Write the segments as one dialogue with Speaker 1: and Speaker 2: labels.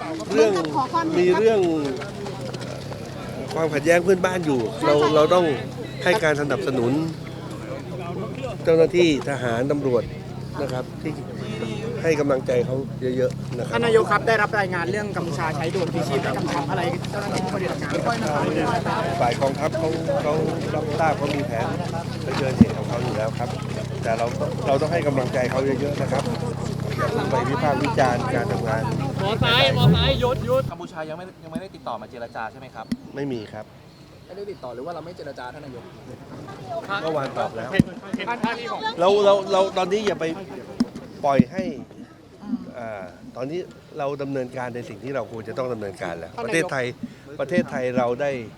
Speaker 1: เรื่องมีเรื่องความขัดแย้งเพื่อนบ้านอยู่เราต้องให้การสนับสนุนเจ้าหน้าที่ทหารตำรวจนะครับที่ให้กำลังใจเขาเยอะๆนะครับ
Speaker 2: ท่านนายกครับได้รับรายงานเรื่องกัมพูชาใช้โดรนพิชิตและกำชับอะไรเจ้าหน้าที่ผู้ปฏิบัติงานครับ
Speaker 1: ฝ่ายกองทัพเขารับทราบเขามีแผนเผชิญเหตุของเขาอยู่แล้วครับ แต่เราต้องให้กำลังใจเขาเยอะๆนะครับอย่าเพิ่งไปวิพากษ์วิจารณ์การทำงาน
Speaker 3: หมอซ้ายหยุดกัมพูชายังไม่ได้ติดต่อมาเจรจาใช่ไหมครับ
Speaker 1: ไม่มีครับ
Speaker 2: ไม่ได้ติดต่อหรือว่าเราไม่เจรจาท่านนายก
Speaker 1: เมื่อวานตอบแล้วเราตอนนี้อย่าไปปล่อยให้ตอนนี้เราดำเนินการในสิ่งที่เราควรจะต้องดำเนินการแล้วประเทศไทยเรา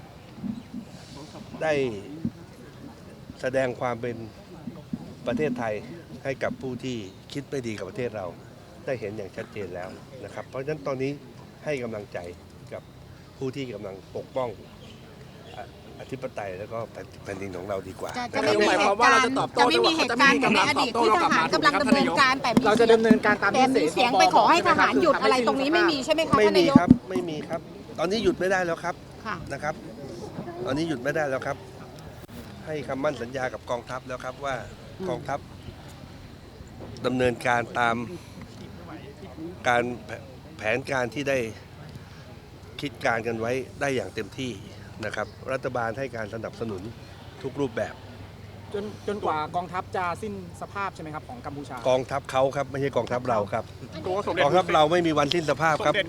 Speaker 1: ได้แสดงความเป็นประเทศไทยให้กับผู้ที่คิดไม่ดีกับประเทศเราได้เห็นอย่างชัดเจนแล้วนะครับเพราะฉะนั้นตอนนี้ให้กำลังใจกับผู้ที่กำลังปกป้องอธิปไตยแล้วก็แผ่นดินของเราดีกว่า
Speaker 4: จะไม่มีเหตุการณ์จะไม่มีเหตุการณ์ในอดีตที่ทหารกำลังดำเนินการแต่
Speaker 2: เราจะดำเนินการตาม
Speaker 4: แต่
Speaker 2: ที่
Speaker 4: มีเสียงไปขอให้ทหารหยุดอะไรตรงนี้ไม่มีใช่ไหมคะ
Speaker 1: ไม่
Speaker 4: ท่าน
Speaker 1: มี
Speaker 4: นายก
Speaker 1: ครับไม่มีครับ ตอนนี้หยุดไม่ได้แล้วครับ
Speaker 4: ค่ะ
Speaker 1: นะครับ ตอนนี้หยุดไม่ได้แล้วครับ ให้คำมั่นสัญญากับกองทัพแล้วครับว่ากองทัพดำเนินการตามการแผนการที่ได้คิดการกันไว้ได้อย่างเต็มที่นะครับ รัฐบาลให้การสนับสนุนทุกรูปแบบ
Speaker 2: จนกว่ากองทัพจะสิ้นสภาพใช่ไหมครับของกัมพูชาก
Speaker 1: องทัพเขาครับไม่ใช่กองทัพเราครับกองทัพเราไม่มีวันสิ้นสภาพครับ